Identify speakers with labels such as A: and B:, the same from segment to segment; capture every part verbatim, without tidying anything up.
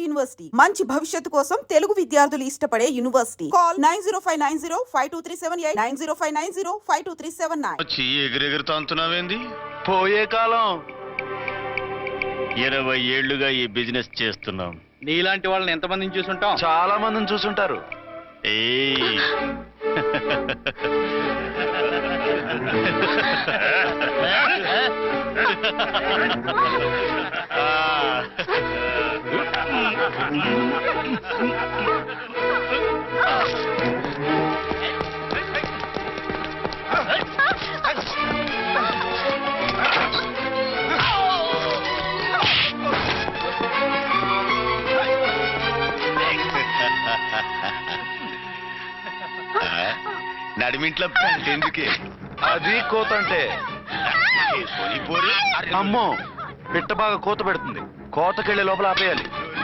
A: University మంచి భవిష్యత్తు కోసం తెలుగు విద్యార్థులు ఇష్టపడే university. Call nine zero five nine zero five two three seven eight nine zero five nine zero five two three seven nine.
B: వచ్చి ఎగిరెగురుతో అంటున్నావేంది? పోయే కాలం. ఇరవై ఏళ్లుగా ఈ బిజినెస్ చేస్తున్నాం.
C: నీలాంటి వాళ్ళని ఎంతమందిని చూసుంటాం?
B: చాలా మందిని చూసుంటారు. ఏ నడిమింట్లో ఎందుకే అది కోత అంటే? అమ్మో, పిట్ట బాగా కోత పెడుతుంది. కోతకెళ్ళే లోపల ఆపేయాలి.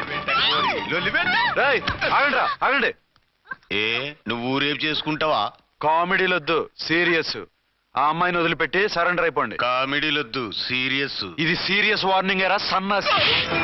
B: ఆగండి రా, ఆగండి. ఏ నువ్వు రేపు చేసుకుంటావా? కామెడీలొద్దు, సీరియస్. ఆ అమ్మాయిని వదిలిపెట్టి సరెండర్ అయిపోండి. కామెడీలొద్దు, సీరియస్. ఇది సీరియస్ వార్నింగ్ ఎరా సన్నాసి.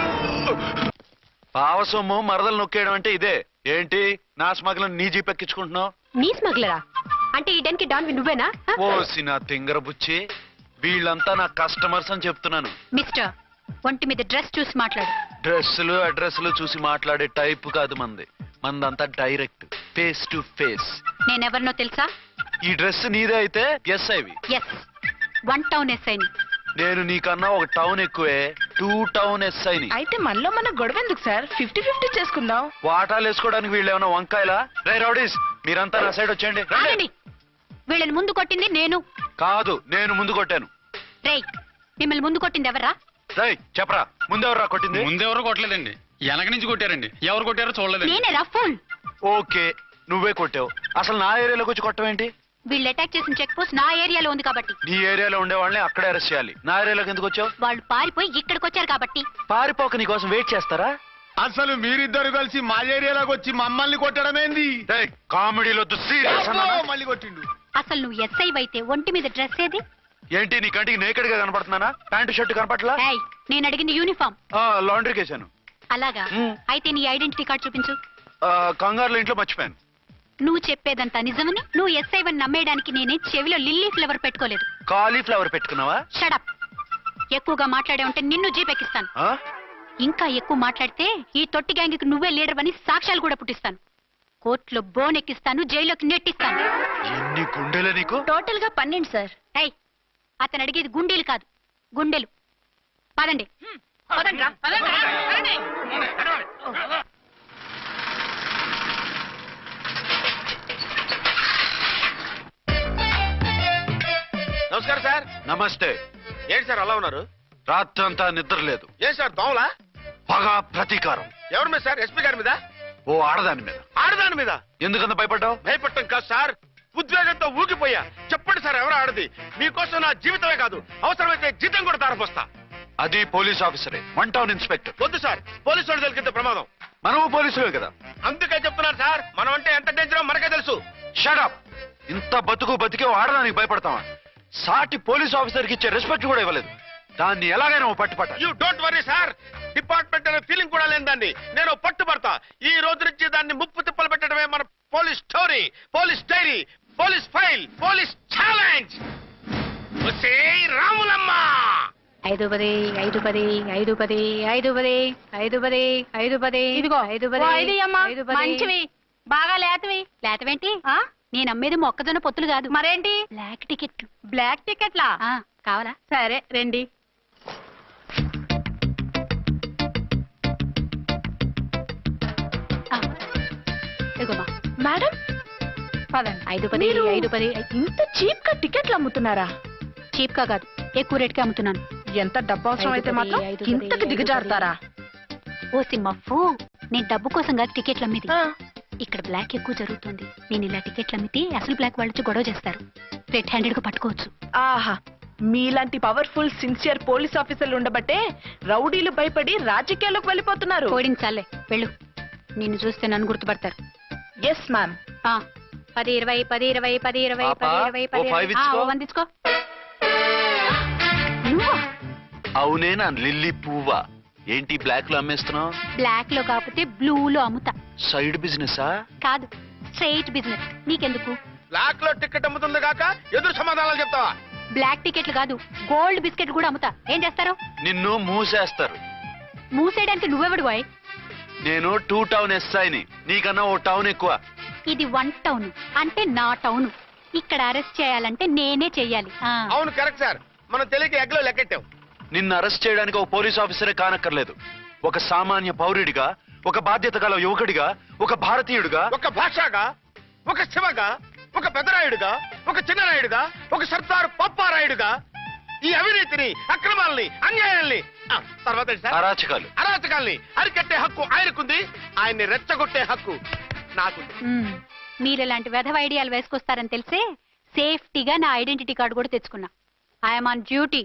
B: పావసొమ్ము మరదలు నొక్కేయడం అంటే ఇదే. ఏంటి నా స్మగ్లర్ నీ జీప్ ఎక్కించుకుంటున్నావు?
D: నీ స్మగ్లరా అంటే ఈ డెన్కి డాన్ నువ్వేనా?
B: ఓసి నా తింగర బుచ్చి, వీళ్ళంతా నా కస్టమర్స్ అని చెప్తున్నాను.
D: మిస్టర్, ఒంటి మీద డ్రెస్ చూసి మాట్లాడు.
B: డ్రెస్సులు అడ్రస్లు చూసి మాట్లాడే టైప్ కాదు మంది. మందంతా డైరెక్ట్, ఫేస్ టు ఫేస్.
D: నేనెవరినో తెలుసా?
B: ఈ డ్రెస్ నీదే అయితే ఎస్ ఐవి.
D: ఎస్, వన్ టౌన్ ఎస్ ఐని.
B: నేను నీకన్నా ఒక టౌన్ ఎక్కువే, టూ టౌన్ ఎస్ ఐని.
E: అయితే మనలో మన గొడవ ఎందుకు సార్? ఫిఫ్టీ ఫిఫ్టీ చేసుకుందాం.
B: వాటాలు వేసుకోవడానికి వీళ్ళు ఏమైనా వంకాయలా? రే రౌడీస్, మీరంతా నా సైడ్ వచ్చేయండి.
D: ఆగండి. వీళ్ళని ముందు కొట్టింది నేను
B: కాదు, నేను ముందు కొట్టాను.
D: రేయ్, మిమ్మల్ని ముందు కొట్టింది ఎవరా?
B: రేయ్ చెప్పరా, ముందెవరా కొట్టింది?
C: ముందెవరో కొట్టలేదండి, వెనక నుంచి కొట్టారండి. ఎవరు కొట్టారో చూడలేదు.
D: నేనే రఫూల్.
B: ఓకే, నువ్వే కొట్టావు. అసలు నా ఏరియాలోకి వచ్చి కొట్టవేంటి?
D: వీళ్ళు అటాక్ చేసిన చెక్ పోస్ట్ నా ఏరియాలో ఉంది కాబట్టి.
B: నీ ఏరియాలో ఉండే వాళ్ళని అక్కడే అరెస్ట్ చేయాలి. నా ఏరియాలోకి ఎందుకు వచ్చావు?
D: వాళ్ళు పారిపోయి ఇక్కడికి వచ్చారు కాబట్టి.
B: పారిపోక నీ కోసం వెయిట్ చేస్తారా?
F: అసలు మీరిద్దరు కలిసి మా ఏరియాలోకి వచ్చి మమ్మల్ని కొట్టడమేంది?
B: కామెడీలో
F: మళ్ళీ కొట్టిండు.
D: అసలు నువ్వు ఎస్ఐ అయితే ఒంటి మీద డ్రెస్ ఏది?
B: ఏంటి నీ కంటికి నేకెడ్ గా కనపడుతున్నానా? Pant shirt కనపట్లా?
D: ఏయ్, నేను అడిగింది యూనిఫామ్.
B: లాండ్రీకి వేసాను.
D: అలాగా? అయితే నీ ఐడెంటిటీ కార్డ్ చూపించు.
B: కంగారులో ఇంట్లో మర్చిపోయాను.
D: నువ్వు చెప్పేదంతా నిజమని నువ్వు ఎస్ఐ వన్ నమ్మేయడానికి నేనే చెవిలో లిల్లీ ఫ్లవర్ పెట్టుకోలేదు.
B: కాలీఫ్లవర్ పెట్టుకున్నావా?
D: షడప్. ఎక్కువగా మాట్లాడే ఉంటే నిన్ను జీపెక్కిస్తాను.
B: ఆ?
D: ఇంకా ఎక్కువ మాట్లాడితే ఈ తొట్టి గ్యాంగ్కి నువ్వే లీడర్ అని సాక్ష్యాలు కూడా పుట్టిస్తాను. కోర్టులో బోన్ ఎక్కిస్తాను, జైల్లోకి నెట్టిస్తాను.
B: ఎన్ని గుండెలే నీకు?
D: టోటల్ గా పన్నెండు సార్. ఏయ్, అతను అడిగేది గుండెలు కాదు, గుండెలు. పదండి. పదండి రా, పదండి రా, పదండి.
F: నమస్కారం సార్.
B: నమస్తే.
F: ఏంటి సార్ అలా ఉన్నారు?
B: రాత్రంతా నిద్ర లేదు.
F: ఏం సార్ దోమలా?
B: పగా ప్రతీకారం.
F: ఎవరి మీద సార్? ఎస్పీ గారి మీద?
B: ఓ ఆడదాని మీద.
F: ఆడదాని మీద?
B: ఎందుకంత భయపడ్డావు?
F: భయపడటం కాదు సార్, ఉద్వేగంతో ఊగిపోయా. చెప్పండి సార్, ఎవరు ఆడది? మీకోసం నా జీవితమే కాదు, అవసరమైతే జీతం కూడా తారపోస్తా.
B: అది పోలీస్ ఆఫీసరే, వన్ టౌన్ ఇన్స్పెక్టర్.
F: వద్దు సార్, పోలీసు వాళ్ళు తెలికితే ప్రమాదం.
B: మనము పోలీసులే కదా.
F: అందుకే చెప్తున్నారు సార్, మనం అంటే ఎంత డేంజరో మనకే తెలుసు.
B: షడప్. ఇంత బతుకు బతికే ఆడదానికి భయపడతావా? సాటి పోలీస్ ఆఫీసర్ కి ఇచ్చే రెస్పెక్ట్ కూడా ఇవ్వలేదు. దాన్ని ఎలాగైనా పట్టుపట్ట.
F: You don't worry sir, department అనే ఫీలింగ్ కూడా లేని దాన్ని నేను పట్టుబడతా. ఈ రోజు నుంచి దాన్ని ముప్పు తిప్పలు పెట్టడమే మన police story, police diary, police file, police challenge. Ramulamma.
D: ఐదు పది ఐదు పది ఐదు పది ఐదు పది ఐదు పది ఐదు పది ఇదిగో ఐదు పది ఐదు పది. మంచివి, బాగా లేతవి. లేతవేంటి? నేను అమ్మేది మొక్కజొన్న పొత్తులు కాదు. మరేంటి? బ్లాక్ టికెట్లు. బ్లాక్ టికెట్లా? కావాలా? సరే రండి.
E: మేడం
D: పదండి. ఐదు పది ఐదు పది.
E: ఇంత చీప్ గా టికెట్లు అమ్ముతున్నారా?
D: చీప్ గా కాదు, ఎక్కువ రేట్ కి అమ్ముతున్నాను.
E: ఎంత డబ్బు అవసరం అయితే మాత్రం ఇంతకు దిగజారుతారా?
D: ఓ సిమ్మఫు, నేను డబ్బు కోసం కాదు టికెట్లు అమ్మేది. ఇక్కడ బ్లాక్ ఎక్కువ జరుగుతుంది. నేను ఇలా టికెట్లు అమ్మితే అసలు బ్లాక్ వాళ్ళు వచ్చి గొడవ చేస్తారు. రెడ్ హ్యాండెడ్ గా పట్టుకోవచ్చు.
E: ఆహా, మీలాంటి పవర్ఫుల్ సిన్సియర్ పోలీస్ ఆఫీసర్లు ఉండబట్టే రౌడీలు భయపడి రాజకీయాల్లోకి వెళ్ళిపోతున్నారు.
D: పోడించాలే, వెళ్ళు. నిన్ను చూస్తే నన్ను గుర్తుపడతారు.
E: Yes ma'am.
D: పది ఇరవై పది ఇరవై పది ఇరవై పది ఇరవై పది వందించుకో.
B: అవునే నా లిల్లీ పువ్వా? ఏంటి బ్లాక్ లో అమ్మేస్తున్నావు?
D: బ్లాక్ లో కాకపోతే బ్లూలో అమ్ముతా.
B: సైడ్ బిజినెసా?
D: కాదు, స్ట్రైట్ బిజినెస్. నీకెందుకు?
F: బ్లాక్ లో టికెట్ అమ్ముతుంది కాక ఎదురు సమాధానాలు చెప్తావా?
D: బ్లాక్ టికెట్లు కాదు, గోల్డ్ బిస్కెట్ కూడా అమ్ముతా. ఏం చేస్తారు?
B: నిన్ను మూసేస్తారు.
D: మూసేయడానికి నువ్వెవడు బాయ్?
B: నేను టూ టౌన్ ఎస్ఐని, నీకన్నా ఓ టౌన్ ఎక్కువ.
D: ఇది వన్ టౌన్ అంటే నా టౌన్. ఇక్కడ అరెస్ట్ చేయాలంటే నేనే చెయ్యాలి. ఆ.
F: అవును కరెక్ట్ సార్, మనం తెలియక ఎగ్లో లెక్కెట్టాం.
B: నిన్ను అరెస్ట్ చేయడానికి ఒక పోలీస్ ఆఫీసరే కానక్కర్లేదు. ఒక సామాన్య పౌరుడిగా, ఒక బాధ్యత గల యువకుడిగా, ఒక భారతీయుడిగా,
F: ఒక భాషగా, ఒక శివగా, ఒక పెద్దరాయుడుగా, ఒక చిన్నరాయుడుగా, ఒక సర్దార్ పప్పారాయుడుగా ఈ అవినీతిని, అక్రమాలని, అన్యాయాల్ని, ఆ, తర్వాత ఏంటి సార్?
B: అరాచకాలు,
F: అరాచకాల్ని అరికట్టే హక్కు ఆయనకుంది, ఆయన్ని రెచ్చగొట్టే హక్కు నాకుంది.
D: మ్మ్. మీరు ఇలాంటి వెధవ ఐడియాలు వేసుకొస్తారని తెలిసే సేఫ్టీగా నా ఐడెంటిటీ కార్డు కూడా తెచ్చుకున్నా. I'm on duty.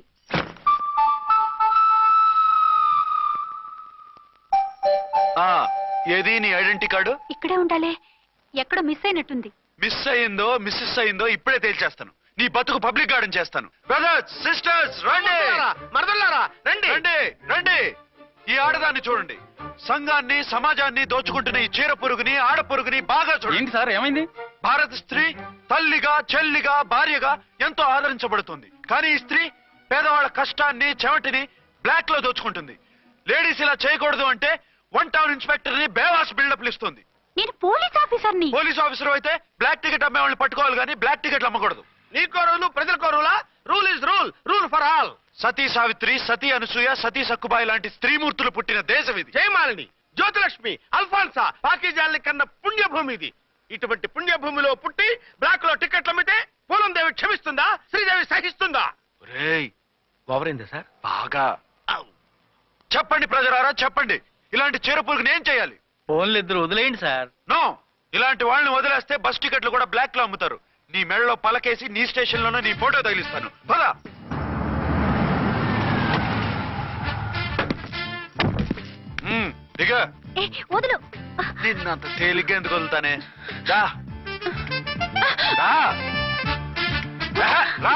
B: ఆ ఏది నీ ఐడెంటిటీ కార్డు?
D: ఇక్కడే ఉండాలే, ఎక్కడో మిస్ అయినట్టుంది.
B: మిస్ అయ్యిందో మిస్సెస్ అయ్యిందో ఇప్పుడే తేల్చేస్తాను. నీ బతుకు పబ్లిక్ గార్డెన్ చేస్తాను. బ్రదర్స్, సిస్టర్స్, రండి
F: మరదల్లారా రండి.
B: రండి రండి. ఈ ఆడదాన్ని చూడండి. సంఘాన్ని, సమాజాన్ని దోచుకుంటున్న ఈ చీర పురుగుని, ఆడ పురుగుని బాగా చూడండి.
C: ఏంటి సార్ ఏమైంది?
B: భారత స్త్రీ తల్లిగా, చెల్లిగా, భార్యగా ఎంతో ఆదరించబడుతుంది. కానీ ఈ స్త్రీ పేదవాళ్ళ కష్టాన్ని, చెమటిని బ్లాక్ లో దోచుకుంటుంది. లేడీస్ ఇలా చేయకూడదు అంటే వన్ టౌన్ ఇన్స్పెక్టర్ ని బేవాస్ బిల్డప్లు ఇస్తుంది.
D: నేను పోలీస్ ఆఫీసర్ని.
B: పోలీస్ ఆఫీసర్ అయితే బ్లాక్ టికెట్ అమ్మే వాళ్ళని పట్టుకోవాలి కానీ బ్లాక్ టికెట్లు అమ్మకూడదు.
F: నీకో రూలు, ప్రజలకో రూలా? Rule is rule, rule for all.
B: Sati Savitri, Sati Anasuya, Sati Sakkubai లాంటి స్త్రీమూర్తులు పుట్టిన దేశం ఇది.
F: జయమాలిని, జ్యోతిలక్ష్మి, అల్ఫాన్సా, పాకిజాల్ని కన్న పుణ్యభూమి ఇది. ఇటువంటి పుణ్యభూమిలో పుట్టి బ్లాక్ లో టికెట్లు అమ్మితే పూలందేవి క్షమిస్తుందా? శ్రీదేవి సహిస్తుందా?
B: రేయ్
F: ఓవరైందా సార్?
B: బాగా చెప్పండి ప్రజలారా, చెప్పండి. ఇలాంటి చీర పురుగుని ఏం చేయాలి?
C: ఫోన్లు ఇద్దరు వదిలేయండి సార్.
B: నో, ఇలాంటి వాళ్ళని వదిలేస్తే బస్ టికెట్లు కూడా బ్లాక్ లో అమ్ముతారు. నీ మెడలో పలకేసి నీ స్టేషన్ లోనే నీ ఫోటో తగిలిస్తాను. పదా. దిగ.
D: ఏ, వదులు.
B: నిన్నంత తేలిగ్గా ఎందుకు వదులుతానే? రా. రా. రా. రా.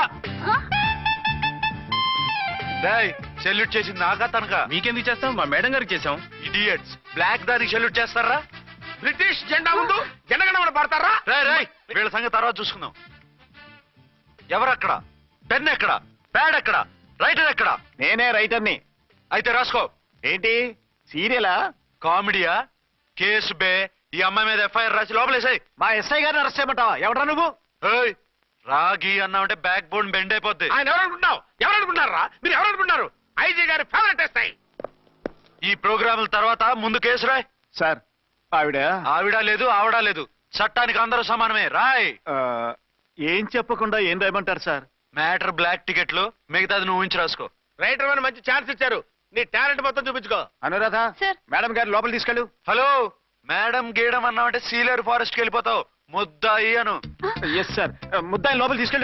B: రేయ్, సెల్యూట్ చేసింది నాకా తనకా?
C: మీకెందుకు చేస్తాం? మా మేడం గారికి చేసాం.
B: ఇడియట్స్, బ్లాక్ దానికి సెల్యూట్ చేస్తారా?
F: బ్రిటిష్ జెండా ముందు జనగణమన పడతారా?
B: రేయ్ రేయ్, వీళ్ళ సంగతి తర్వాత చూసుకుందాం. ఎవరక్కడ? పెన్ ఎక్కడ? ప్యాడ్ ఎక్కడ? రైటర్ ఎక్కడ?
G: నేనే రైటర్ని.
B: అయితే రాసుకో.
G: ఏంటి సీరియలా?
B: కామెడీయా? కేసు బే. ఈ అమ్మాయి మీద ఎఫ్ఐఆర్ రాసి లోపలేసాయి.
G: మా ఎస్ఐ గారిని అరెస్ట్ చేయమంటావా? ఎవడా నువ్వు?
B: ఏయ్, రాగి అన్నామంటే బ్యాక్ బోన్ బెండ్ అయిపోద్ది.
F: ఆయన ఎవరనుకుంటున్నావు? ఎవరనుకుంటున్నారా మీరు? ఎవరనుకుంటున్నారు? ఐజీ గారి ఫేవరెట్ ఎస్ఐ.
B: ఈ ప్రోగ్రాముల తర్వాత ముందు కేసు రాయ్.
G: సార్ ఆవిడ
B: ఆవిడ లేదు, ఆవిడ లేదు. చట్టానికి అందరూ సమానమే. రాయ్.
G: ఆ, ఏం చెప్పకుండా ఏం రాయమంటారు సార్?
B: మ్యాటర్ బ్లాక్ టికెట్లు, మిగతాది నువ్వు ఉంచి రాసుకో.
F: రైటర్ అని మంచి ఛాన్స్ ఇచ్చారు. నీ టాలెంట్ మొత్తం చూపించుకో.
G: అనురాధ,
D: సార్.
G: మేడం గారు లోపల తీసుకెళ్ళు.
B: హలో, మేడం గీయడం అన్నామంటే సీలేరు ఫారెస్ట్ కి వెళ్ళిపోతావు. ముద్దాయి అను.
G: ఎస్ సార్, ముద్దాయి లోపల తీసుకెళ్ళు.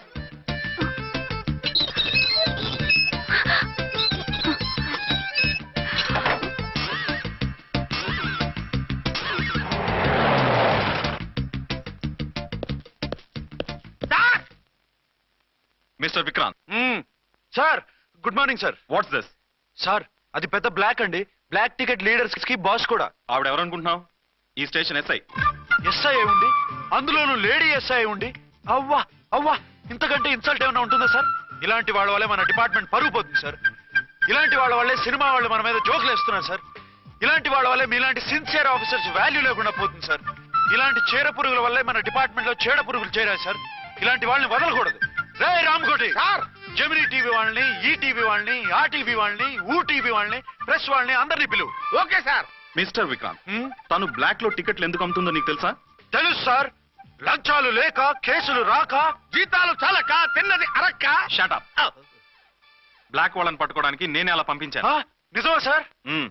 C: Mister Vikrant,
B: hmm. Sir, good morning sir.
C: What's this?
B: Sir, అది పెద్ద బ్లాక్ అండి. బ్లాక్ టికెట్ లీడర్స్ కి బాస్ కూడా.
C: ఆవిడ ఎవరనుకుంటున్నావు? ఈ స్టేషన్ ఎస్ఐ.
B: ఎస్ఐ అయి ఉండి, అందులోనూ లేడీ ఎస్ఐ అయి ఉండి, అవ్వా అవ్వా, ఇంతకంటే ఇన్సల్ట్ ఏమైనా ఉంటుందా సార్? ఇలాంటి వాళ్ళ వల్లే మన డిపార్ట్మెంట్ పరుగు పోతుంది సార్. ఇలాంటి వాళ్ళ వల్లే సినిమా వాళ్ళు మన మీద జోకులు వేస్తున్నారు సార్. ఇలాంటి వాళ్ళ వల్లే మీలాంటి సిన్సియర్ ఆఫీసర్స్ వాల్యూ లేకుండా పోతుంది సార్. ఇలాంటి చీర పురుగుల వల్లే మన డిపార్ట్మెంట్ లో చీడ పురుగులు చేరాయి సార్. ఇలాంటి వాళ్ళని వదలకూడదు. రే రామ్కోటి
F: సార్,
B: జమినీ టీవీ వాళ్ళని, ఈ టీవీ వాళ్ళని, ఆ టీవీ వాళ్ళని, ఊ టీవీ వాళ్ళని, ప్రెస్ వాళ్ళని అందరినీ పిలువు.
F: Okay sir.
C: మిస్టర్ విక్రాంత్,
B: హ్మ్?
C: తను బ్లాక్ లో టికెట్లు ఎందుకు అమ్ముతుందో నీకు తెలుసా?
B: తెలుసు సార్. లంచాలు లేక, కేసులు రాక,
F: జీతాలు చాలక, తిన్నది అరక్క.
C: షటప్. బ్లాక్ వాళ్ళని పట్టుకోవడానికి నేనే అలా పంపించాను.
B: ఆ, నిజమా సార్?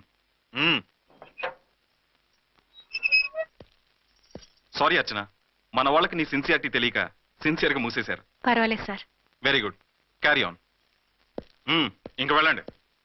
C: సారీ అర్చన, మన వాళ్ళకి నీ సిన్సియారిటీ తెలియక సిన్సియర్ గా మూసేశారు.
D: పర్వాలేదు sir.
C: Very good, carry on. ఇంక వెళ్ళండి.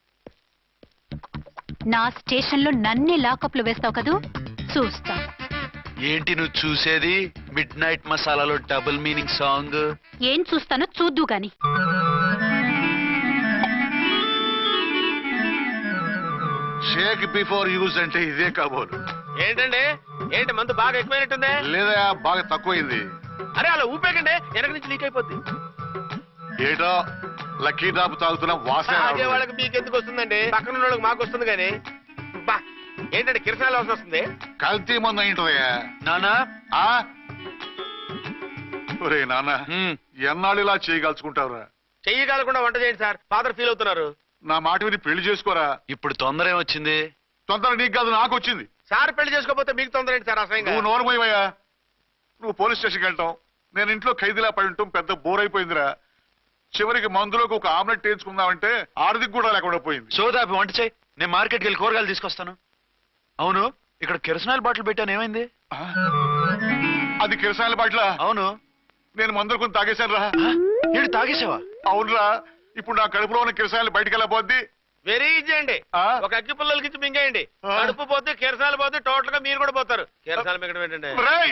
D: నా స్టేషన్ లో నన్నే లాకప్ లో వేస్తావు కదూ, చూస్తా.
B: ఏంటి నువ్వు చూసేది? మిడ్ నైట్ మసాలాలో డబుల్ మీనింగ్ సాంగ్.
D: ఏం చూస్తానో చూద్దు గాని.
H: షేక్ బిఫోర్ యూజ్ అంటే ఇదే కాబోలు.
F: ఏంటండి ఏంటి మందు బాగా ఎక్కువైనట్టుంది?
H: లేదా బాగా తక్కువైంది.
F: అరే అలా ఊపేకండి వెనక నుంచి లీక్ అయిపోద్ది.
H: ఏటో లక్కీ డ్రాప్ తాగుతున్న వాసన
F: అదే
H: రావడం.
F: వాళ్ళకి మీకు ఎందుకు వస్తుందండి? పక్కన ఉన్న వాళ్ళకి మాకు వస్తుంది కానీ. బా ఏంటంటే కిరసనాల వాసన వస్తుంది.
H: కల్తీ మందు అయింటదయ్యా.
B: నానా
H: ఆ? ఒరే నాన్న,
B: హ్మ్.
H: ఎన్నాళ్ళు ఇలా చేయగలుచుకుంటావురా?
F: చెయ్యి కాలకుండా వంట చేయండి సార్. ఫాదర్ ఫీల్ అవుతున్నారు.
H: నా మాట విని పెళ్లి చేసుకోరా.
B: ఇప్పుడు తొందర ఏమొచ్చింది?
H: తొందర నీకు కాదు నాకు వచ్చింది.
F: సార్ పెళ్లి చేసుకోకపోతే మీకు తొందర ఏంటి సార్? అసహ్యంగా.
H: నువ్వు నోరుమోయవయ్యా. నువ్వు పోలీస్ స్టేషన్కి వెళ్తాం, నేను ఇంట్లో ఖైదీలా పడి ఉంటాం. పెద్ద బోర్ అయిపోయిందిరా. చివరికి మందులోకి ఒక ఆమ్లెట్ వేయించుకుందామంటే ఆర్థిక కూడా లేకుండా పోయింది.
B: సోదాపి వంట చేయి, నేను మార్కెట్కి వెళ్ళి కూరగాయలు తీసుకొస్తాను. అవును, ఇక్కడ కిరసనాయిల్ బాటిల్ పెట్టాను, ఏమైంది?
H: ఆ? అది కిరసాల బాట్ల.
B: అవును.
H: నేను మందులు కొని తాగేశాను రా.
B: ఏడు తాగేసావా?
H: అవునురా. ఇప్పుడు నా కడుపులో ఉన్న కిరసాయలు బయటికి వెళ్ళబోద్ది.
F: వెరీ ఈజీ అండి.
H: ఆ?
F: ఒక అగ్గి పుల్లలకి ఇచ్చి మింగేయండి.
H: ఆ.
F: కడుపు పోతే కిరసాలు పోతే టోటల్ గా మీరు కూడా పోతారు. కిరసాలు మింగడం ఏంటండి?
H: రేయ్!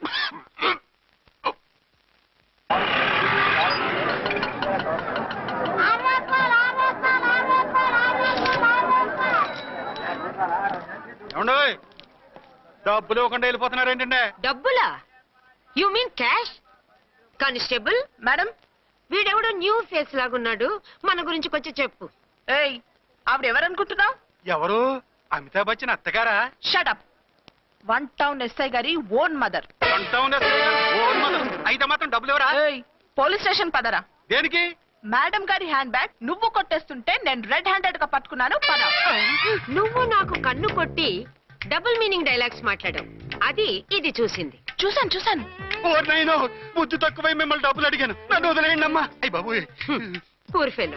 G: ఏమండోయ్, డబ్బులు ఇవ్వకుండా వెళ్ళిపోతున్నారు ఏంటంటే?
I: డబ్బులా? You mean cash? Constable
E: madam,
I: వీడెవడో న్యూ ఫేస్ లాగున్నాడు, మన గురించి కొంచెం చెప్పు.
E: ఏయ్ ఆవిడ ఎవరనుకుంటున్నావు?
G: ఎవరు? అమితాబ్ బచ్చన్ అత్తగారా?
E: షటప్. వన్ టౌన్ ఎస్ఐ గారి ఓన్ మదర్.
G: అంటావుంది అసలు. Oh mother. అయితే మాత్రం డబ్బులు ఎవరా?
E: ఏయ్ పోలీస్ స్టేషన్ పదరా.
G: దేనికి?
E: మేడం గారి హ్యాండ్ బ్యాగ్ నువ్వు కొట్టేస్తుంటే నేను రెడ్ హ్యాండెడ్ గా పట్టుకున్నాను. పద.
I: నువ్వు నాకు కన్ను కొట్టి డబుల్ మీనింగ్ డైలాగ్స్ మాట్లాడావు, అది ఇది చూసింది.
E: చూసాను చూసాను.
G: ఓ నైనో, బుద్ధి తక్కువై మిమ్మల్ని డబ్బులు అడిగాను, నన్ను వదిలేయండి అమ్మా. అయ్యి బాబు.
I: Poor fellow.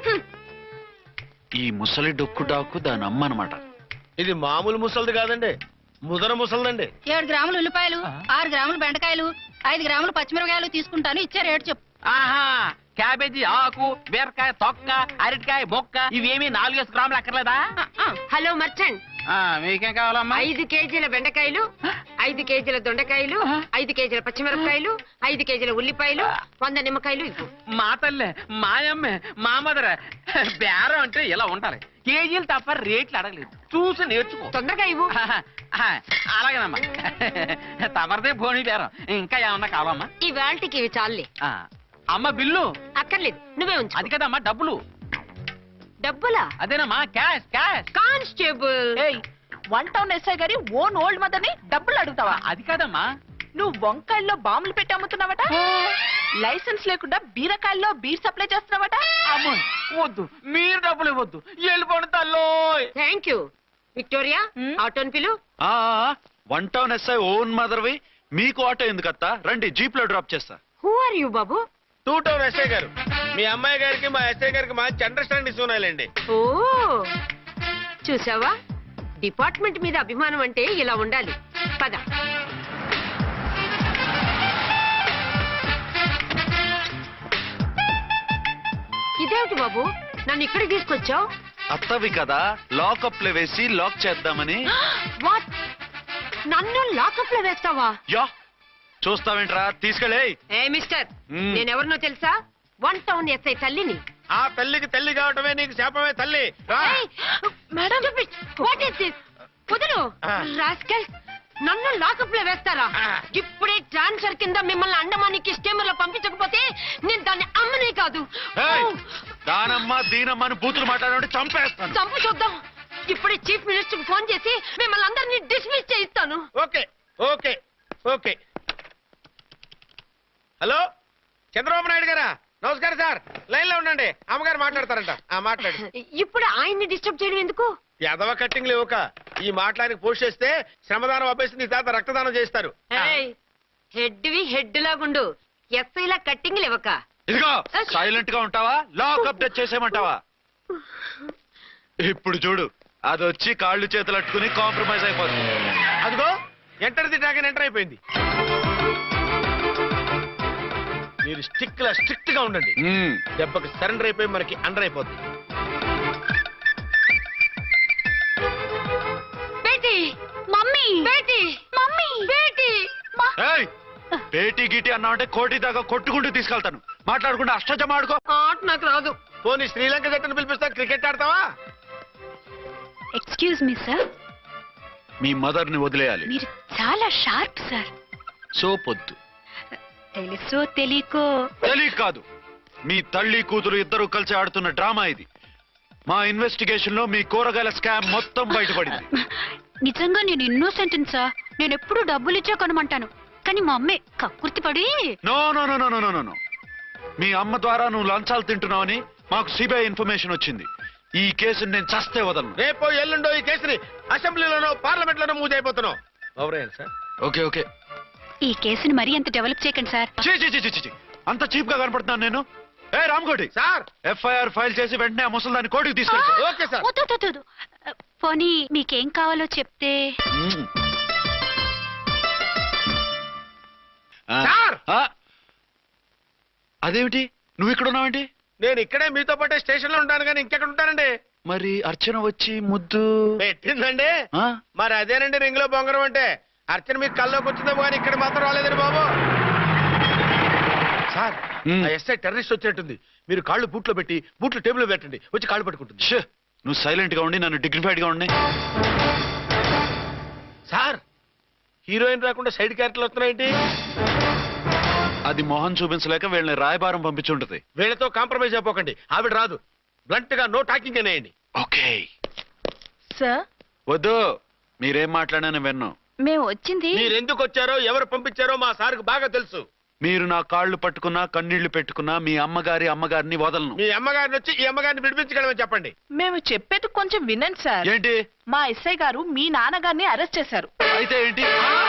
B: ఈ ముసలి డొక్కు డాకు దాని అమ్మ అనమాట.
F: ఇది మామూలు ముసలిది కాదండి, ముదర ముసలిదండి.
D: ఏడు గ్రాములు ఉల్లిపాయలు, ఆరు గ్రాములు బెండకాయలు, ఐదు గ్రాములు పచ్చిమిరపకాయలు తీసుకుంటాను. ఇచ్చే రేటు చెప్పు.
J: ఆహా, క్యాబేజీ ఆకు, బీరకాయ తొక్క, అరటికాయ బొక్క, ఇవేమి నాలుగేసి గ్రాములు అక్కర్లేదా?
I: హలో మర్చండ్,
J: ఆ, మీకేం కావాలమ్మా?
I: ఐదు కేజీల బెండకాయలు, ఐదు కేజీల దొండకాయలు, ఐదు కేజీల పచ్చిమిరపకాయలు, ఐదు కేజీల ఉల్లిపాయలు, వంద నిమ్మకాయలు ఇవ్వు.
J: మా తల్లే, మాయమ్మే, మా మదర బేరం అంటే ఇలా ఉండాలి. కేజీలు తప్ప రేట్లు అడగలేదు, చూసి నేర్చుకో.
I: తొందరగా ఇవ్వు.
J: ఆహా, ఆహా, అలాగేనమ్మా. తమరిదే భోని బేరం. ఇంకా ఏమన్నా కావాలమ్మా?
I: ఈ వేల్టీకి ఇవి చాలే.
J: ఆ, అమ్మ బిల్లు?
I: అక్కర్లేదు, నువ్వే ఉంచు.
J: అది కదమ్మా డబ్బులు.
I: డబ్బులా?
J: అదేనమ్మా, క్యాష్ క్యాష్.
I: కానిస్టేబుల్,
E: ఏయ్ వన్ టౌన్ ఎస్ఐ గారి ఓన్ ఓల్డ్ మదర్ ని డబ్బులు అడుగుతావా?
J: అది కదమ్మా.
E: నువ్వు వంకాయల్లో బాంబులు పెట్టి అమ్ముతున్నావట, లైసెన్స్ లేకుండా బీరకాయల్లో బీర్ సప్లై చేస్తున్నావట.
J: అమ్మో, వద్దు, మీరు డబ్బులు ఇవ్వద్దు, వెళ్ళిపోండి తల్లోయ్.
I: Thank you. Victoria,
E: Hmm?
I: ఆటోన్ పిలు.
B: ఆ వన్ టౌన్ ఎస్ఐ ఓన్ మదర్వి, మీకు ఆటో ఎందుకత్తా? రండి, జీప్ లో డ్రాప్ చేస్తా.
I: హూ ఆర్ యూ బాబు?
F: టూ టౌన్ ఎస్ఐ గారు, మీ అమ్మాయి గారికి మా ఎస్ఐ గారికి మంచి అండర్స్టాండింగ్స్ ఉన్నాయండి.
I: ఓ చూసావా, డిపార్ట్మెంట్ మీద అభిమానం అంటే ఇలా ఉండాలి. పద. ఇదేమిటి బాబు, నన్ను ఇక్కడికి తీసుకొచ్చావు?
B: అత్తవి కదా, లాకప్ లో వేసి లాక్ చేద్దామని.
I: వాట్, నన్ను లాకప్ లో వేస్తావా?
B: యా, చూస్తావేంట్రా, తీసుకెళ్ళే.
I: ఏ మిస్టర్,
B: Hmm.
I: నేనెవరినో తెలుసా? వన్ టౌన్ ఎస్ఐ తల్లిని.
F: ఆ తల్లికి తల్లి కావటమే నీకు శాపమే తల్లి. రా.
I: Madam, what is this? వదులు.
F: Ah.
I: రాస్కల్, నన్ను లాకప్ లో వేస్తారా?
F: Ah.
I: ఇప్పుడే ట్రాన్స్ఫర్ కింద మిమ్మల్ని అండమానికి స్టీమర్ లో పంపించకపోతే నేను దాన్ని అమ్మనే కాదు.
B: ఏయ్,
I: Oh.
B: దానమ్మ దీనమ్మని బూతులు మాట్లాడే చంపేస్తాను.
I: చంపు చూద్దాం. ఇప్పుడే చీఫ్ మినిస్టర్ కి ఫోన్ చేసి మిమ్మల్ని అందరినీ డిస్మిస్ చేయిస్తాను.
F: Okay okay okay. Hello, Chandrababu Naidu గారా? నమస్కారం సార్, లైన్ లో ఉండండి, అమ్మగారు మాట్లాడతారంట. ఆ మాట్లాడు.
I: ఇప్పుడు ఆయన్ని డిస్టర్బ్ చేయడం ఎందుకు?
F: ఎదవ కట్టింగ్ లేవుక ఈ మాట్లాడికి పోస్ట్ చేస్తే శ్రమదానం అభ్యసి నీ తాత రక్తదానం చేస్తారు.
I: హెడ్ వి హెడ్ లాగుండు, ఎస్ఐ లా కట్టింగ్ లేవక.
B: ఇదిగో, సైలెంట్ గా ఉంటావా, లాక్ అప్డేట్ చేసేయమంటావా? ఇప్పుడు చూడు, అది వచ్చి కాళ్ళు చేతులు అట్టుకుని కాంప్రమైజ్ అయిపోతుంది.
F: అదిగో ఎంటర్ ది డ్రాగన్ ఎంటర్ అయిపోయింది. మీరు స్టిక్ లా స్ట్రిక్ట్ గా ఉండండి,
B: మ్మ్.
F: దెబ్బకి సరెండర్ అయిపోయి మనకి అండర్ అయిపోద్ది.
I: బేటీ, మమ్మీ, బేటీ, మమ్మీ, బేటీ.
B: ఏయ్, పేటీ గీటీ అన్నావంటే కోటి దాకా కొట్టుకుంటూ తీసుకెళ్తాను. మాట్లాడకుండా అష్టజమ ఆడుకో.
I: ఆట నాకు రాదు.
F: పోనీ శ్రీలంక జట్టును పిలిపిస్తా, క్రికెట్ ఆడతావా?
D: ఎక్స్క్యూజ్ మీ సార్,
B: మీ మదర్ ని వదిలేయాలి.
D: మీరు చాలా షార్ప్ సార్.
B: సో పొద్దు
D: తెలుసో తెలియకో
B: తెలియక కాదు, మీ తల్లి కూతురు ఇద్దరు కలిసి ఆడుతున్న డ్రామా ఇది. మా ఇన్వెస్టిగేషన్ లో మీ కూరగాయల స్కామ్ మొత్తం బయటపడింది.
D: నిజంగా నేను ఇన్నోసెంట్ సార్. నేను ఎప్పుడు డబ్బులు ఇచ్చా కొనమంటాను, కానీ మా అమ్మే కక్కుర్తి పడి.
B: No no no no no no no మీ అమ్మ ద్వారా నువ్వు లంచాలు తింటున్నావని మాకు సిబిఐ ఇన్ఫర్మేషన్ వచ్చింది. ఈ కేసుని నేను చస్తే వదలను.
F: రేపో ఎల్లుండో ఈ కేసుని అసెంబ్లీలోనో పార్లమెంట్ లోనో మూవ్ అయిపోతున్నావు. Sir
B: okay okay.
D: ఈ కేసుని మరీ అంత డెవలప్ చేయకండి సార్.
B: చీ చీ చీ చీ చీ. అంత చీప్ గా కనపడుతున్నాను నేను? ఏ రామ్కోటి
F: సార్,
B: ఎఫ్ఐఆర్ ఫైల్ చేసి వెంటనే ఆ ముసలిదాన్ని కోర్టుకి తీసుకెళ్తా.
F: Okay sir.
D: వద్దు, వద్దు, వద్దు. పోనీ మీకేం కావాలో చెప్తే.
B: ఆ,
F: సార్!
B: ఆ, అదేమిటి నువ్వు ఇక్కడ ఉన్నావేంటి?
F: నేను ఇక్కడే మీతో పాటే స్టేషన్ లో ఉంటాను కానీ ఇంకెక్కడ ఉంటానండి.
B: మరి అర్చన వచ్చి ముద్దు
F: పెట్టిందండి.
B: ఆ?
F: మరి అదేనండి రింగ్ లో బొంగరం అంటే. అర్చన మీకు కల్లోకి వచ్చిందేమో కానీ ఇక్కడ మాత్రం రాలేదండి బాబు. సార్,
B: మ్.
F: ఆ ఎస్ఐ టెర్రరిస్ట్ వచ్చినట్టుంది. మీరు కాళ్ళు బూట్లో పెట్టి బూట్లు టేబుల్ లో పెట్టండి, వచ్చి కాళ్ళు పట్టుకుంటుంది.
B: ష్, నువ్వు సైలెంట్ గా ఉండి నన్ను డిగ్నిఫైడ్ గా ఉండి.
F: సార్, హీరోయిన్ రాకుండా సైడ్ క్యారెక్టర్లు వస్తున్నాయేంటి?
B: అది మొహం చూపించలేక వీళ్ళని రాయబారం పంపించుంటది.
F: వీళ్ళతో కాంప్రమైజ్ అయిపోకండి, ఆవిడ రాదు. బ్లంట్ గా నో టాకింగ్ అనేయండి.
B: ఓకే.
E: సార్,
B: వద్దు, మీరేం మాట్లాడానని విన్ను.
D: మేము వచ్చింది.
F: మీరు ఎందుకు వచ్చారో ఎవరు పంపించారో మా సార్కు బాగా తెలుసు.
B: మీరు నా కాళ్ళు పట్టుకున్నా కన్నీళ్లు పెట్టుకున్నా మీ అమ్మగారి అమ్మగారిని వదలను.
F: మీ అమ్మగారిని వచ్చి ఈ అమ్మగారిని విడిపించగలమని చెప్పండి.
E: మేము చెప్పేది కొంచెం వినండి సార్.
B: ఏంటి?
E: మా ఎస్ఐ గారు మీ నాన్నగారిని అరెస్ట్ చేశారు.
B: అయితే ఏంటి?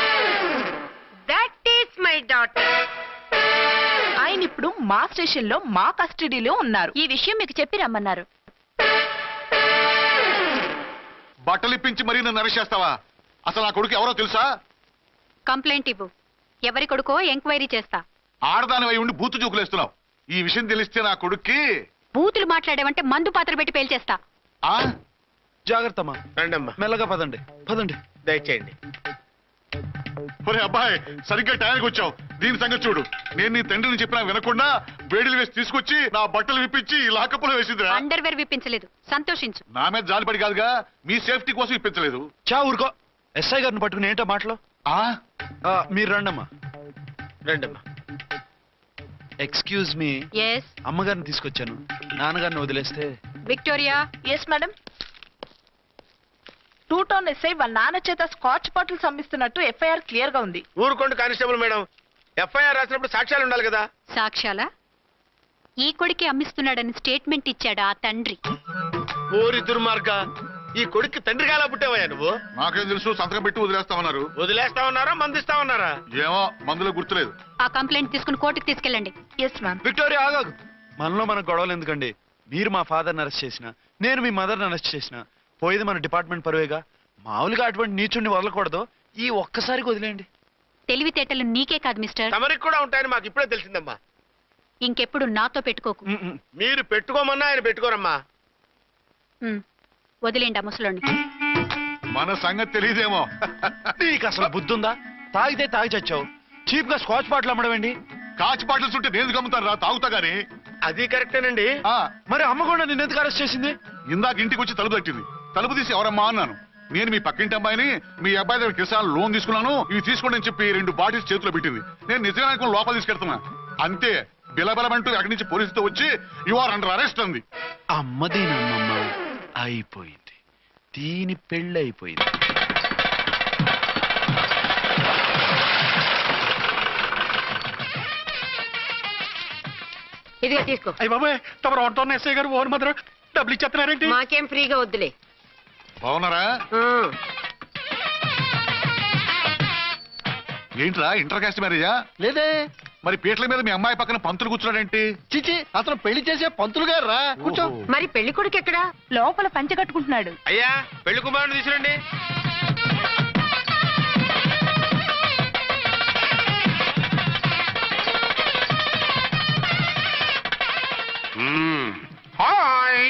I: That is my daughter.
E: ఆయన ఇప్పుడు మా స్టేషన్ లో మా కస్టడీలో ఉన్నారు.
D: ఈ విషయం మీకు చెప్పి రమ్మన్నారు.
H: బట్టలు ఇప్పించి మరీ నన్ను అరెస్ట్ చేస్తావా? అసలు నా కొడుకు ఎవరో తెలుసా?
D: కంప్లైంట్ ఇవ్వు. ఎవరి కొడుకో ఎంక్వైరీ చేస్తా.
H: ఆడదాని అయి ఉండి బూతు చూకులేస్తున్నావు. ఈ విషయం తెలిస్తే నా కొడుక్కి
D: బూతులు మాట్లాడేవంటే మందు పాత్ర పెట్టి పేల్చేస్తా.
H: ఆ
B: జాగ్రత్తమ్మా,
F: రండమ్మా,
B: మెల్లగా పదండి పదండి.
F: దయచేయండి.
H: ఒరే అబ్బాయి, సరిగ్గా టయానికి వచ్చావు. దీని సంగతి చూడు. నేను నీ తండ్రిని చెప్పినా వినకుండా వేడిలు వేసి తీసుకొచ్చి నా బట్టలు విప్పించి ఈ లాకప్పులో వేసిందిరా.
D: అండర్వేర్ విప్పించలేదు, సంతోషించు.
H: నా మీద జాలిపడి కాదుగా, మీ సేఫ్టీ కోసం ఇప్పించలేదు.
B: చా ఊరుకో. ఎస్ఐ గారిని పట్టుకుని ఏంటో మాటలు?
H: ఆ
B: ఆ, మీరు రండమ్మా.
F: రండమ్మా.
B: Excuse me.
D: ఎస్
B: అమ్మగారిని తీసుకొచ్చాను. నాన్నగారిని వదిలేస్తే.
D: Victoria.
E: Yes madam. Two town SI వాళ్ళ నాన్న చేత స్కాచ్ బాటిల్స్ అమ్మిస్తున్నట్టు ఎఫ్ఐఆర్ క్లియర్ గా ఉంది.
F: ఊరుకోండి కానిస్టేబుల్ మేడం. ఎఫ్ఐఆర్ రాసినప్పుడు సాక్ష్యాలు ఉండాలి కదా.
D: సాక్ష్యాలా? ఈ కొడుకే అమ్మిస్తున్నాడని స్టేట్మెంట్ ఇచ్చాడు ఆ తండ్రి.
F: ఓరి దుర్మార్గ, ఈ కొడుక్కి తండ్రిగా ఎలా పుట్టావయ్యా నువ్వు?
H: నాకేం తెలుసు, సంతకం పెట్టి వదిలేస్తామన్నారు.
F: వదిలేస్తామన్నారా మందిస్తామన్నారా?
H: ఏమో, మందులో గుర్తులేదు.
D: ఆ కంప్లైంట్ తీసుకుని కోర్టుకు తీసుకెళ్ళండి.
E: Yes ma'am.
B: విక్టోరియా ఆగాగు. మనలో మన గొడవలు ఎందుకండి? మీరు మా ఫాదర్ని అరెస్ట్ చేసిన, నేను మీ మదర్ని అరెస్ట్ చేసిన, పోయేది మన డిపార్ట్మెంట్ పరువేగా. మామూలుగా అటువంటి నీచుడిని వదలకూడదు. ఈ ఒక్కసారికి వదిలేయండి.
D: తెలివితేటలు నీకే కాదు మిస్టర్,
F: తమరికి కూడా ఉంటాయని మాకు ఇప్పుడే తెలిసిందమ్మా.
D: ఇంకెప్పుడు నాతో పెట్టుకోకు.
B: ఉమ్, ఉమ్.
F: మీరు పెట్టుకోమన్నా ఆయన పెట్టుకోరమ్మా.
D: ఉమ్, వదిలేండి ఆ ముసలోని.
H: మన సంగతి తెలియదేమో.
B: నీకు అసలు బుద్ధుందా? తాగితే తాగి చచ్చావు. చీప్ గా స్కాచ్ బాటిల్ అమ్మడమేంటి?
H: కాచి బాటిల్స్ ఉంటే నేను గమ్ముతాను రా, తాగుతా గానీ.
F: అది కరెక్టేనండి.
H: ఆ,
B: మరి అమ్మ కూడా నిన్ను ఎందుకు అరెస్ట్ చేసింది?
H: ఇందాక ఇంటికి వచ్చి తలుపు తట్టింది. తలుపు తీసి ఎవరమ్మా అన్నాను. నేను మీ పక్కింటి అమ్మాయిని, మీ అబ్బాయి దగ్గర కిసాన్ లోన్ తీసుకున్నాను, ఇవి తీసుకోండి అని చెప్పి రెండు బాటిల్స్ చేతిలో పెట్టింది. నేను నిజంగా అనుకుని లోపల తీసుకెళ్తున్నా. అంతే, బిలబలమంటూ అక్కడి నుంచి పోలీసుతో వచ్చి యు ఆర్ అండర్ అరెస్ట్ అంది.
B: అమ్మది నమ్మమ్మ అయిపోయింది. దీని పెళ్ళి అయిపోయింది.
I: ఇదిగా తీసుకో.
G: అయ్య బాబాయ్, తమరు ఆటోన్న ఎస్ఐ గారు ఓన్ మాత్రం డబ్బులు ఇచ్చేస్తున్నారేంటి?
I: మాకేం ఫ్రీగా వద్దులే.
H: బాగున్నారా?
I: ఆ,
H: ఏంట్రా, ఇంటర్ కాస్ట్ మ్యారేజా?
G: లేదే.
H: మరి పీటల మీద మీ అమ్మాయి పక్కన పంతులు కూర్చున్నాడేంటి?
G: చిచి, అతను పెళ్లి చేసే పంతులు గారు రా. కూర్చో.
H: ఓహో.
I: మరి పెళ్లి కొడుకు ఎక్కడా?
E: లోపల పంచె కట్టుకుంటున్నాడు.
F: అయ్యా, పెళ్లి కుమారుని తీసుకురండి. హాయ్.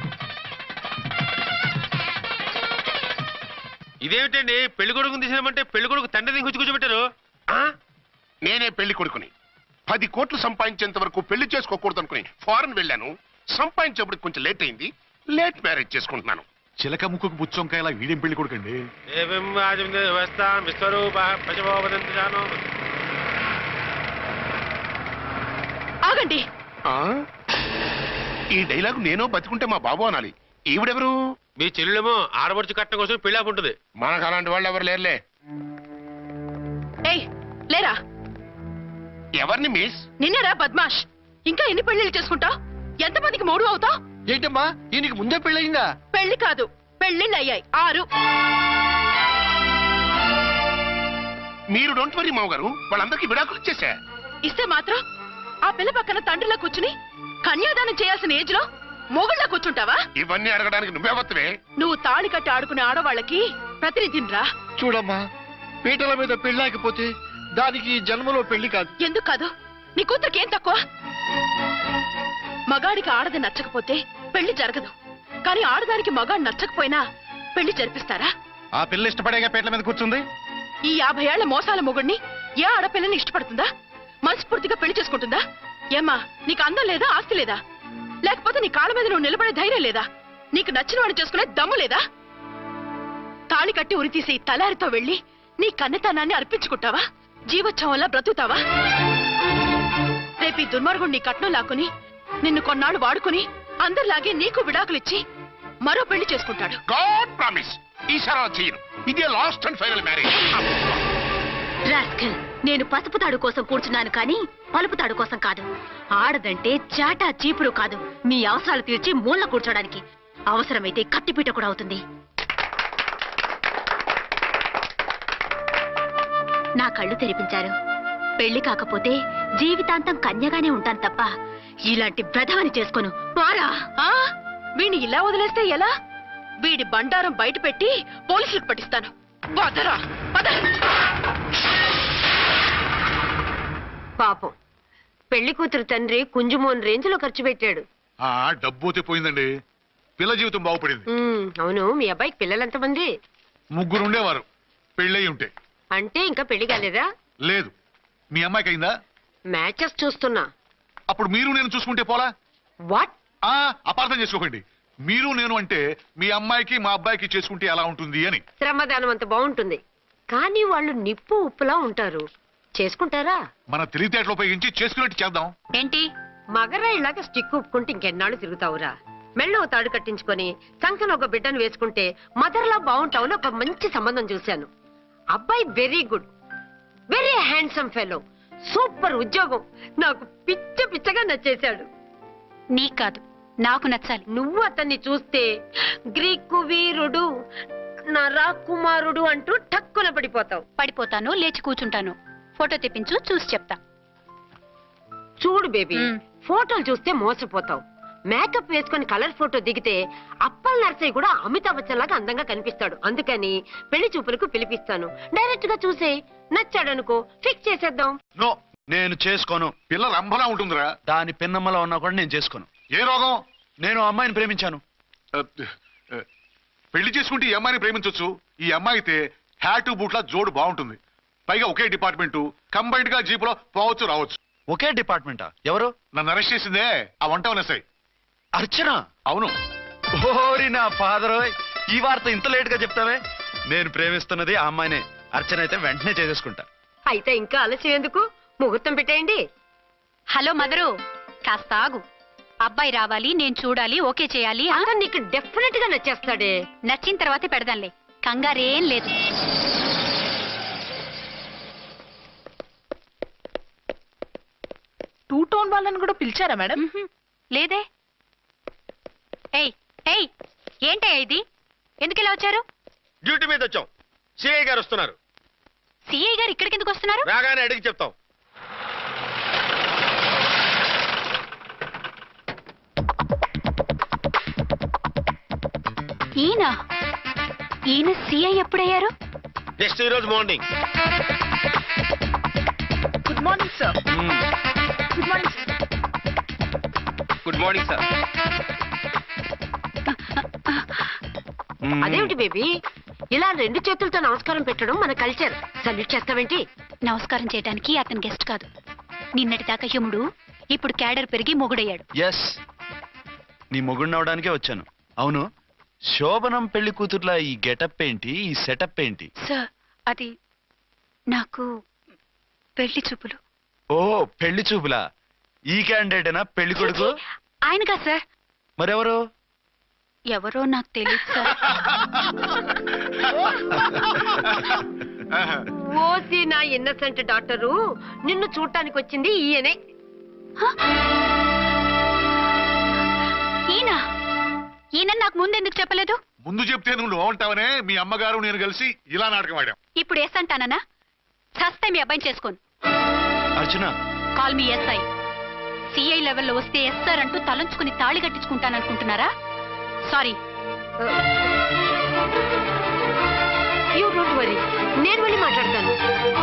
F: ఇదేమిటండి, పెళ్లి కొడుకుని తీసినామంటే పెళ్లి కొడుకు తండ్రిని గుచ్చి కూర్చోబెట్టారు.
K: నేనే పెళ్లి కొడుకుని. పది కోట్లు సంపాదించేంత వరకు పెళ్లి చేసుకోకూడదు అనుకుని ఫారెన్ వెళ్ళాను. సంపాదించేప్పుడు కొంచెం లేట్ అయింది. లేట్ మ్యారేజ్ చేసుకుంటున్నాను.
H: చిలక ముక్కుకు బుచ్చొంకాయలా వీడేం పెళ్లి కొడుకండి.
F: ఏం వ్యవస్థ విశ్వరూప పశుభోవదంతి జానో.
E: ఆగండి.
K: ఆ? ఈ డైలాగ్ నేనో బతికుంటే మా బాబు అనాలి. ఈవిడెవరు?
F: మీ చెల్లెమో ఆడబడుచు కట్టడం కోసం పెళ్లి ఆపుంటుంది.
K: మనకు అలాంటి వాళ్ళు ఎవరు లేరులే.
E: ఏయ్ లేరా.
K: ఎవరిని మిస్?
E: నిన్నరా బద్మాష్. ఇంకా ఎన్ని పెళ్లిళ్ళు చేసుకుంటావు? ఎంతమందికి మూడు అవుతావు?
G: ఏంటమ్మా ఈయనకి ముందే పెళ్ళయిందా?
E: పెళ్లి కాదు, పెళ్లిళ్ళు అయ్యాయి ఆరు.
K: మీరు డోంట్ వరీ మామగారు, వాళ్ళందరికీ విడాకులు ఇచ్చేసా.
E: ఇస్తే మాత్రం ఆ పిల్ల పక్కన తండ్రిలా కూర్చుని కన్యాదానం చేయాల్సిన ఏజ్ లో మొగుళ్ళ కూర్చుంటావా?
K: ఇవన్నీ అడగడానికి నువ్వే వత్తవే.
E: నువ్వు తాళి కట్టి ఆడుకునే ఆడవాళ్ళకి ప్రతినిధినిరా.
G: చూడమ్మా, పీటల మీద పెళ్ళాకపోతే దానికి ఈ జన్మలో పెళ్లి కాదు.
E: ఎందుకు కాదు? నీ కూతురికేం తక్కువ? మగాడికి ఆడది నచ్చకపోతే పెళ్లి జరగదు, కానీ ఆడదానికి మగాడు నచ్చకపోయినా పెళ్లి జరిపిస్తారా?
G: ఆ పిల్ల ఇష్టపడేగా పీటల మీద కూర్చుంది.
E: ఈ యాభై ఏళ్ల మోసాల మొగుడిని ఏ ఆడపిల్లని ఇష్టపడుతుందా? మనస్ఫూర్తిగా పెళ్లి చేసుకుంటుందా? ఏమ్మా, నీకు అందం లేదా, ఆస్తి లేదా? లేకపోతే నీ కాళ్ళ మీద నువ్వు నిలబడే ధైర్యం లేదా? నీకు నచ్చిన వాడిని చేసుకునే దమ్ము లేదా? తాళి కట్టి ఉరి తీసే ఈ తలారితో వెళ్లి నీ కన్నెతనాన్ని అర్పించుకుంటావా? జీవోత్సవంలా బ్రతుకుతావా? రేపు ఈ దుర్మార్గుడు నీ కట్నం లాక్కుని నిన్ను కొన్నాళ్ళు వాడుకుని అందరిలాగే నీకు విడాకులిచ్చి మరో పెళ్లి చేసుకుంటాడు.
K: గాడ్ ప్రామిస్, ఈసారి అలా చెయ్యను. ఇదే last and final marriage.
D: Rascal, నేను పసుపు తాడు కోసం కూర్చున్నాను కానీ పలుపు తాడు కోసం కాదు. ఆడదంటే చాటా చీపురు కాదు, మీ అవసరాలు తీర్చి మూల కూర్చోడానికి. అవసరమైతే కత్తిపీట కూడా అవుతుంది. నా కళ్ళు తెరిపించారు. పెళ్లి కాకపోతే జీవితాంతం కన్యగానే ఉంటాను తప్ప ఇలాంటి బ్రధవని చేసుకోను. వారా
E: ఆ వీణ్ణి ఇలా వదిలేస్తే ఎలా? వీడి బండారం బయట పెట్టి పోలీసులకు పట్టిస్తాను. వదరా, వద.
I: పాపం పెళ్లి కూతురు తండ్రి కుంజుమోన్ రేంజ్ లో ఖర్చు పెట్టాడు.
H: ఆ డబ్బు పోతే పోయిందండి, పిల్ల జీవితం బాగుపడింది.
I: ఉమ్, అవును, మీ అబ్బాయికి పిల్లలెంతమంది?
H: ముగ్గురు ఉండేవారు, పెళ్ళయి ఉంటే.
I: అంటే ఇంకా పెళ్లి కాలేదా?
H: లేదు. మీ అమ్మాయికి అయిందా?
I: మ్యాచెస్ చూస్తున్నా.
H: అప్పుడు మీరు నేను చూసుకుంటే పోలా?
I: వాట్?
H: ఆ అపార్థం చేసుకోకండి. మీరు నేను అంటే మీ అమ్మాయికి మా అబ్బాయికి చేసుకుంటే ఎలా ఉంటుంది అని.
I: శ్రమదానం అంత బాగుంటుంది, కానీ వాళ్ళు నిప్పు ఉప్పులా ఉంటారు. చేసుకుంటారా?
H: మన తెలివితేటలు ఉపయోగించి చేసుకున్నట్టు చేద్దాం.
D: ఏంటి?
I: మగరాయిలాగా స్టిక్ ఉప్పుకుంటే ఇంకెన్నాళ్ళు తిరుగుతావురా? మెళ్ళో తాడు కట్టించుకొని సంఖ్యలో ఒక బిడ్డను వేసుకుంటే మదర్లా బాగుంటావుని ఒక మంచి సంబంధం చూశాను. అబ్బాయి very good, very handsome fellow, super ఉద్యోగం. నాకు పిచ్చ పిచ్చగా నచ్చేశాడు.
D: నీకు కాదు, నాకు నచ్చాలి.
I: నువ్వు అతన్ని చూస్తే గ్రీకు వీరుడు, నా రాకుమారుడు అంటూ టక్కున పడిపోతావు.
D: పడిపోతాను, లేచి కూర్చుంటాను. ఫోటో తెప్పించు, చూసి చెప్తా.
I: చూడు బేబీ,
D: మ్.
I: ఫోటోలు చూస్తే మోసపోతావు. మేకప్ వేసుకొని కలర్ ఫోటో దిగితే అప్పల్ నర్సయ్య కూడా అమితాబ్ బచ్చన్ లాగా అందంగా కనిపిస్తాడు. అందుకని పెళ్లి చూపులకు పిలిపిస్తాను. డైరెక్ట్ గా చూసే నచ్చాడనుకో, ఫిక్స్ చేసేద్దాం.
B: నో, నేను చేసుకోను.
H: పిల్ల రంభలా ఉంటుందిరా.
B: దాని పిన్నమ్మలో ఉన్నా కూడా నేను చేసుకోను.
H: ఏ రోగం?
B: నేను అమ్మాయిని ప్రేమించాను.
H: ఆ, ఆ, పెళ్లి చేసుకుంటే ఈ అమ్మాయిని ప్రేమించొచ్చు. ఈ అమ్మాయి అయితే హ్యాటు బూట్ల జోడు బాగుంటుంది. పైగా ఒకే డిపార్ట్మెంట్, కంబైన్డ్ గా జీపులో పోవచ్చు రావచ్చు.
B: ఒకే డిపార్ట్మెంటా? ఎవరు?
H: నన్ను అరెస్ట్ చేసిందే ఆ వంట వనసాయి.
B: అర్చన?
H: అవును.
B: ఓరి నా ఫాదర్, ఈ వార్త ఇంత లేట్ గా చెప్తావే. నేను ప్రేమిస్తున్నది ఆ అమ్మాయినే. అర్చన అయితే వెంటనే చేసేసుకుంటా.
I: అయితే ఇంకా ఆలస్యం ఎందుకు? ముహూర్తం పెట్టేయండి.
D: హలో మదరు, కాస్త ఆగు. అబ్బాయి రావాలి, నేను చూడాలి, ఓకే చేయాలి. ఆ?
I: అతను నీకు డెఫినెట్ గా నచ్చేస్తాడే.
D: నచ్చిన తర్వాతే పెడదాంలే, కంగారేం లేదు.
E: టూ టోన్ వాళ్ళని కూడా పిలిచారా మేడం?
D: మ్హూ. లేదే. ఏయ్ ఏయ్, ఏంటయ్యా ఇది? ఎందుకు ఇలా వచ్చారు?
F: డ్యూటీ మీద వచ్చాం. సిఐ గారు వస్తున్నారు.
D: సిఐ గారు ఇక్కడికి ఎందుకు వస్తున్నారు?
F: రాగానే అడిగి చెప్తాం.
D: ఈయన ఈయన సిఐ ఎప్పుడయ్యారు?
F: నెక్స్ట్ ఈ రోజు morning.
E: Good morning sir. Good morning sir.
C: Good morning sir.
I: అదేమిటి బేబీ, ఇలా రెండు చేతులతో నమస్కారం పెట్టడం మన కల్చర్. సల్యూట్ చేస్తావేంటి?
D: నమస్కారం చేయడానికి అతను గెస్ట్ కాదు. నిన్నటి దాకా యముడు, ఇప్పుడు క్యాడర్ పెరిగి మొగుడయ్యాడు.
B: ఎస్, నీ మొగుడిని అవడానికే వచ్చాను. అవును, శోభనం పెళ్లి కూతుర్లా ఈ గెటప్ ఏంటి, ఈ సెటప్ ఏంటి?
D: సార్ అది నాకు పెళ్లి చూపులు.
B: ఓ పెళ్లి చూపులా? ఈ క్యాండిడేటేనా పెళ్లి కొడుకు?
D: ఆయనగా సార్.
B: మరెవరు?
D: ఎవరో నాకు తెలియదు సార్.
I: ఓసి నా ఇన్నసెంట్ డాక్టరు, నిన్ను చూడటానికి వచ్చింది ఈయనే.
D: ఈయన ఈయన నాకు ముందెందుకు చెప్పలేదు?
H: ముందు చెప్తే నువ్వు బాగుంటావనే మీ అమ్మగారు నేను కలిసి ఇలా నాటకం ఆడాం.
D: ఇప్పుడు ఎస్ అంటానా? చస్తే మీ అబ్బాయిని చేసుకోను.
B: అర్చన,
D: కాల్ మీ ఎస్ఐ. సిఐ లెవెల్లో వస్తే ఎస్ఆర్ అంటూ తలంచుకుని తాళి కట్టించుకుంటాననుకుంటున్నారా? సారీ.
I: యూ డోంట్ వరీ, నేను వెళ్ళి మాట్లాడతాను.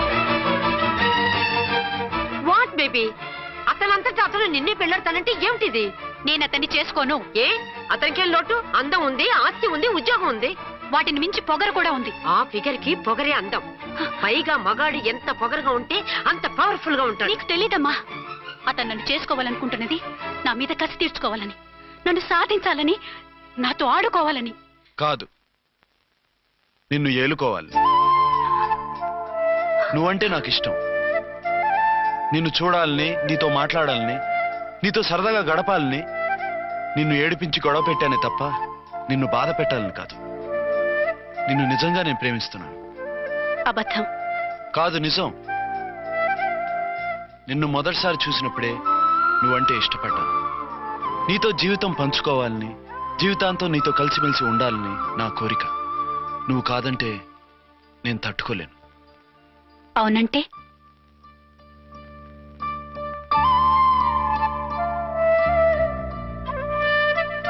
I: వాట్ బేబీ, అతనంతటా అతను నిన్నే పెళ్ళాడతానంటే ఏమిటిది?
D: నేను అతన్ని చేసుకోను.
I: ఏ అతనికేం లోటు? అందం ఉంది, ఆస్తి ఉంది, ఉద్యోగం ఉంది.
D: వాటిని మించి పొగరు కూడా ఉంది.
I: ఆ ఫిగర్ కి పొగరే అందం. పైగా మగాడు ఎంత పొగరుగా ఉంటే అంత పవర్ఫుల్ గా ఉంటాడు.
D: నీకు తెలీదమ్మా, అతను నన్ను చేసుకోవాలనుకుంటున్నది నా మీద కసి తీర్చుకోవాలని, నన్ను సాధించాలని, నాతో ఆడుకోవాలని
B: కాదు, నిన్ను ఏలుకోవాలి. నువ్వంటే నాకు ఇష్టం. నిన్ను చూడాలని, నీతో మాట్లాడాలని, నీతో సరదాగా గడపాలని, నిన్ను ఏడిపించి గొడవ పెట్టానే తప్ప నిన్ను బాధ పెట్టాలని కాదు. నిన్ను నిజంగా నేను ప్రేమిస్తున్నాను.
D: అబద్ధం.
B: కాదు, నిజం. నిన్ను మొదటిసారి చూసినప్పుడే నువ్వంటే ఇష్టపడ్డాను. నీతో జీవితం పంచుకోవాలని, జీవితాంతం నీతో కలిసిమెలిసి ఉండాలని నా కోరిక. నువ్వు కాదంటే నేను తట్టుకోలేను.
D: అవునంటే